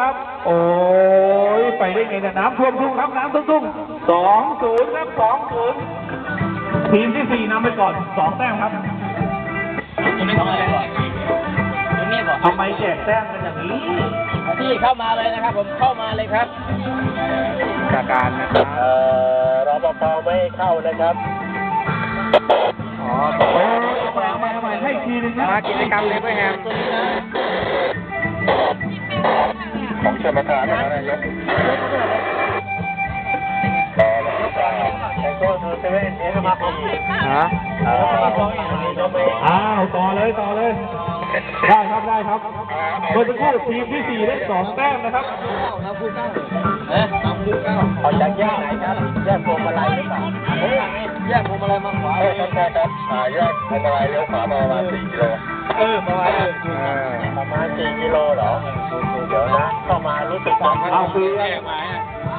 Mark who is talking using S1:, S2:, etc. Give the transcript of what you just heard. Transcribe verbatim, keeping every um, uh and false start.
S1: ครับ โอ้ยไปได้ไงเนี่ยน้ำท่วมทุ่งครับน้ำท่วมทุ่งสองศูนย์ครับสองศูนย์ทีมที่สี่นำไปก่อนสองแต้มครับ
S2: ยังไม่ทำอะไรก่อนยังไม่ก่อน
S1: ทำไมแจกแต้มกันอย่างนี้
S2: พี่เข้ามาเลยนะครับผมเข้ามาเลยครับ
S1: จากการนะครับเอ่อรปภไม่ให้เข้านะครับอ๋อโอ้ยเอาใหม่เอาใหม่ให้ทีนึงนะมากิจกรรมเลยเพื่อแฮมของชมประธานนะครับนายกก็คือเซเว่นเอสมาปีฮะอ้าวต่อเลยต่อเลยได้ครับได้ครับเมื่อสักครู่ทีมที่สี่ได้สองแต้มนะครับน้ำพุเก้าเอ๊ะน้ำพุเก้าเอาจากแยกไหนครับแยกพวงมาลัยหรือเปล่าแยกพวงมาลัยมาขวาใช่ครับใช่ครับอ่าแยกพวงมาลัยเลี้ยวขวาประมาณสี่กิโลเออประมาณประมาณสี่กิโลเหรอเดี๋ยวนะเข้ามารู้สึกว่าเอาคือแยกมา